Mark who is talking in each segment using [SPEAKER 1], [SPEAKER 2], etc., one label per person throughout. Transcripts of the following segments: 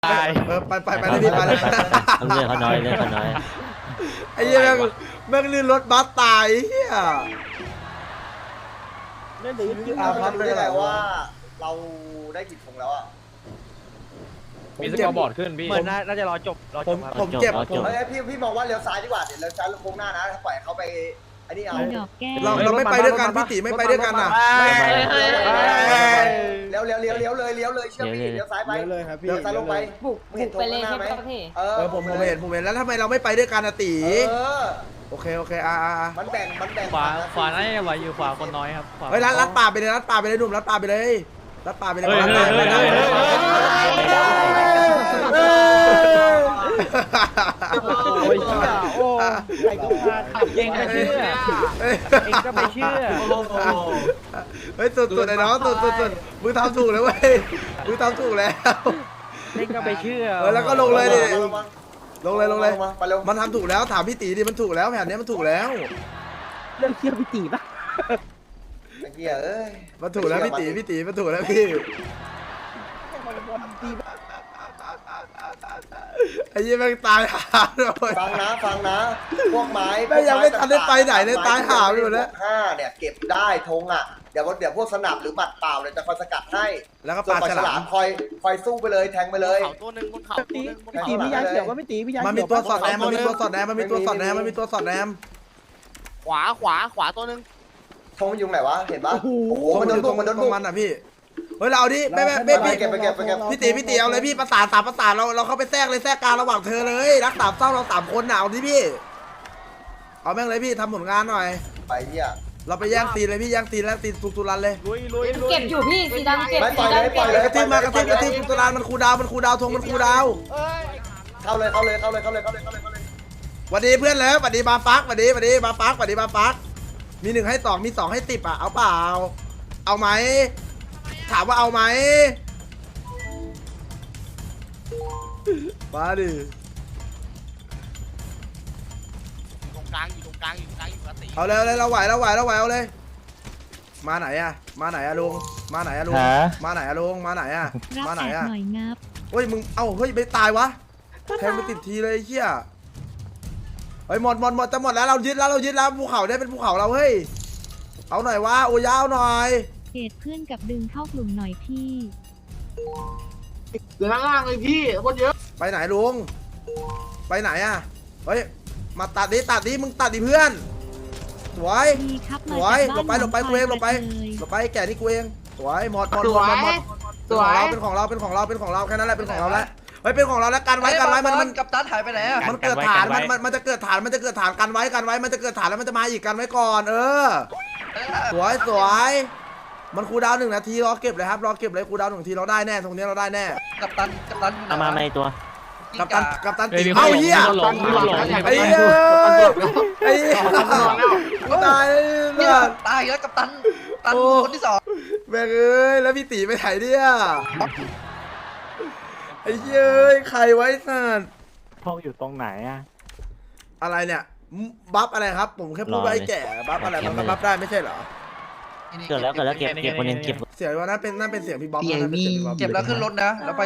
[SPEAKER 1] าย
[SPEAKER 2] ไปเลยพี่ไปเลย
[SPEAKER 3] เรื่องเขาน้อยเรื่องเขาน้อย
[SPEAKER 2] ไอ้เหี้ยแม่งลื่นรถบัสตายเหี้ย
[SPEAKER 4] นั่นเดี๋ยวยืด
[SPEAKER 5] พักได้ไงว่าเราได้กี่ถุงแล้วอ่ะ
[SPEAKER 1] มีสกอร์บอร์ดขึ้นพี่
[SPEAKER 4] เหมือนน่าจะรอจบครับ
[SPEAKER 2] ผมเจ็บผม
[SPEAKER 5] เฮ้ยพี่มองว่าเลี้ยวซ้ายดีกว่าเดี๋ยวเลี้ยวซ้ายลงโค้งหน้านะถ้าปล่อยเขาไปอันนี้เอา
[SPEAKER 6] ดอกแก้ว
[SPEAKER 2] เราไม่ไปด้วยกันพี่ตีไม่ไปด้วยกันน่ะ
[SPEAKER 5] เลี้ยวเลยเชื่อพี่เลี้ยวซ้ายไป
[SPEAKER 4] เลยครับพี่
[SPEAKER 5] เลี้ยวซ้ายลงไป
[SPEAKER 7] บุก
[SPEAKER 5] เห็น
[SPEAKER 7] ไปเลย
[SPEAKER 5] ธง
[SPEAKER 7] ใช่
[SPEAKER 5] ข้างห
[SPEAKER 7] ไหม
[SPEAKER 5] น้าไหม
[SPEAKER 7] พี่
[SPEAKER 2] ผมเห็นแล้วทำไมเราไม่ไปด้วยกันอะตี โอเค
[SPEAKER 5] มันแบ่ง
[SPEAKER 1] ขวาน่าจะไหวอยู่ขวาคนน้อยครับขวา
[SPEAKER 2] เฮ้ยรัดป่าไปเลยหนุ่มรัดป่าไปเลยรัดป่าไปเลย
[SPEAKER 4] โอ้ยโอ้ใครก็พาขับเองก็เชื่อเองก็ไม่เชื่อ
[SPEAKER 2] เฮ้ยสุดไอ้น้องสุดมึงทำถูกแล้วเว้ยมึงทำถูกแล้ว
[SPEAKER 4] เองก็ไม่เชื่อ
[SPEAKER 2] แล้วก็ลงเลยดิลงเลย
[SPEAKER 5] ไปเร็ว
[SPEAKER 2] มันทำถูกแล้วถามพี่ตีดิมันถูกแล้วแผนนี้มันถูกแล้ว
[SPEAKER 4] เรื่องเชื่อพี่ตีปะ
[SPEAKER 5] ไอ้เหี้ยเอ้ย
[SPEAKER 2] มันถูกแล้วพี่ตีมันถูกแล้วพี่ไอ้ยี่แม่งตายหาเลย
[SPEAKER 5] ฟังนะพวกไม้
[SPEAKER 2] แม่งยังไม่ทันได้ไปไหนเลยตายหาไปหมดแล้ว
[SPEAKER 5] 5เนี่ยเก็บได้ธงอ่ะเดี๋ยวพวกสนับหรือบัตรเปล่าเนี่ยจะคอยสกัดให้
[SPEAKER 2] แล้วก็
[SPEAKER 5] ส่วน
[SPEAKER 2] ปา
[SPEAKER 5] ปลา
[SPEAKER 2] ฉ
[SPEAKER 5] ฉ
[SPEAKER 2] ลา
[SPEAKER 5] ลาม มคอยสู้ไปเลยแทงไปเลย
[SPEAKER 1] เขาตัวหนึ่งบนเขา
[SPEAKER 4] ตีพี่ยาเขียวก็ไม่ตีพี่ยา
[SPEAKER 2] มัน
[SPEAKER 4] เขี
[SPEAKER 2] มี
[SPEAKER 4] ยว
[SPEAKER 2] ตัวสอดแนมมันมีตัวสอดแนมมันมีตัวสอดแนม
[SPEAKER 1] ขวาตัวหนึ่ง
[SPEAKER 5] ธงมันอยู่ไหนวะเห็นปะ
[SPEAKER 4] โอ้โห
[SPEAKER 5] โอ้โหมันโดนบุก
[SPEAKER 2] ตรงมันอ่ะพี่เฮ้ยเราเอาดิไม่พี่
[SPEAKER 5] เก็บไปเก็บ
[SPEAKER 2] พี่ตีเอาเลยพี่ประสานเราเข้าไปแทรกเลยแทรกกลางระหว่างเธอเลยรักสามเศร้าเรา3 คนหนาวที่พี่เอาแม่งเลยพี่ทำผลงานหน่อย
[SPEAKER 5] ไปเหี้ย
[SPEAKER 2] เราไปแย่งตีเลยพี่แย่งตีแล้วตีตุรันเลย
[SPEAKER 1] ลุย
[SPEAKER 7] เก็บอยู่พี่สีดำเก็บ
[SPEAKER 5] ไม่ป
[SPEAKER 7] สี
[SPEAKER 5] ล่อยเลย
[SPEAKER 7] ดำ
[SPEAKER 5] ปล่
[SPEAKER 7] เก็
[SPEAKER 5] อย
[SPEAKER 7] บ
[SPEAKER 5] เลย
[SPEAKER 2] กระทิบตุรันมันคูดาวธงมันคูดาว
[SPEAKER 5] เข้าเลย
[SPEAKER 2] หวัดดีเพื่อนเลยหวัดดีบาปักหวัดดีบาปักมี1ให้2มี2ให้10อ่ะเอาเปล่าเอาไหมถามว่าเอาไหมมาดิ
[SPEAKER 1] ตรงกลางอยู่กระตี
[SPEAKER 2] เอาเลยเราไหวเอาเลยมาไหนอะลุงมาไหนอะลุงมาไหนอะ
[SPEAKER 6] รับ
[SPEAKER 2] มาไหน
[SPEAKER 6] แอ
[SPEAKER 2] อะ
[SPEAKER 6] บหน่อยงับ
[SPEAKER 2] เฮ้ยมึงเอ้าเฮ้ยไม่ตายวะแทงไปติดทีเลยไอ้เหี้ยเฮ้ยหมดจะหมดแล้วเรายึดแล้วภูเขาได้เป็นภูเขาเราเฮ้ยเอาหน่อยวะโอ้ยาวหน่อย
[SPEAKER 6] เกตเพื่อนกับดึงเข้ากลุ่มหน่อยพี่
[SPEAKER 8] เดี๋ยวล่างเลยพี่คนเยอะ
[SPEAKER 2] ไปไหนลุงไปไหนอะเฮ้ยมาตัดดิมึงตัดดิเพื่อนสวย
[SPEAKER 6] มีครับ
[SPEAKER 2] ส
[SPEAKER 6] มา
[SPEAKER 2] วย
[SPEAKER 6] จากบ้าน
[SPEAKER 2] หลบไปกูเองหลบไป
[SPEAKER 6] เลย
[SPEAKER 2] แก่นี่กูเองสวยหมด
[SPEAKER 8] สวย
[SPEAKER 2] เป็นของเราแค่นั้นแหละเป็นของเราแล้วเฮ้ยเป็นของเราแล้วกันไว้มัน
[SPEAKER 8] กับตันหายไปไหนอ่ะ
[SPEAKER 2] มันเกิดฐานมันจะเกิดฐานกันไว้มันจะเกิดฐานแล้วมันจะมาอีกกันไว้ก่อนสวยมันคูลดาวน์1 นาทีรอเก็บเลยครับรอเก็บเลยคูลดาวน์1 นาทีเราได้แน่ตรงนี้เราได้แน่
[SPEAKER 8] กับตัน
[SPEAKER 3] เอามาไม่ตัว
[SPEAKER 2] กัปตันตีเอ้าเหี้ยไอ้เหี้ยตายเลย
[SPEAKER 8] ตายแล้วกับตันคนที่ 2
[SPEAKER 2] แม่งเอ้ยแล้วพี่ตีไปไหนเนี่ยไอ้เหี้ยใครไว้สัตว์
[SPEAKER 4] ห้องอยู่ตรงไหนอ่ะ
[SPEAKER 2] อะไรเนี่ยบัฟอะไรครับผมแค่พูดว่าไอ้แก่บัฟอะไรมันก็บัฟได้ไม่ใช่เหรอ
[SPEAKER 3] เกิดแล้วเก็บคนนึงเก็บ
[SPEAKER 2] เสียงว่านั่นเป็นเสียงพี่บ๊อบ
[SPEAKER 8] เก็บแล้วขึ้นรถนะแล้วไป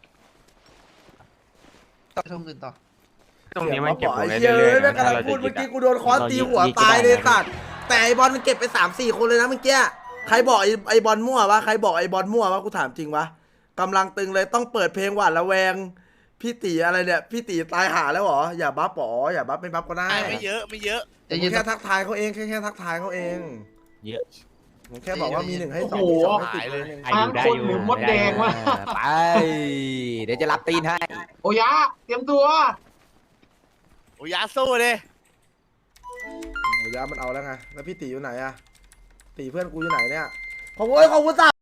[SPEAKER 8] ต่อช่องอื่นต่อ
[SPEAKER 2] ตรงนี้มันเก็บของได้เรื่อยๆแม่กำลังพูดเมื่อกี้กูโดนค้อนตีหัวตายเลยสัตว์แต่ไอบอลมันเก็บไป3-4 คนเลยนะเมื่อกี้ใครบอกไอบอลมั่ววะกูถามจริงวะกำลังตึงเลยต้องเปิดเพลงหวาดระแวงพี่ตีอะไรเนี่ยพี่ตีตายหาแล้วเหรออย่าบัฟอย่าบัฟไม่บัฟก็ได้
[SPEAKER 1] ไม่เยอะ
[SPEAKER 2] ผมแค่ทักทายเขาเองแค่ทักทายเขาเอง
[SPEAKER 3] เยอะ
[SPEAKER 2] ผมแค่บอกว่ามี1 ให้ 2
[SPEAKER 8] โอ้โห
[SPEAKER 2] มี2 ให้
[SPEAKER 1] หายเลย
[SPEAKER 8] ทางคนหรือมดแดงวะ
[SPEAKER 3] ไปเดี๋ยวจะรับตีนให้
[SPEAKER 8] โอ้ยะเตรียมตัว
[SPEAKER 1] โอ้ยาสู้เลย
[SPEAKER 2] 10โอ้ยามันเอาแล้วไงแล้วพี่ตีอยู่ไหนอะตีเพื่อนกูอยู่ไหนเนี่ยขอบคุณ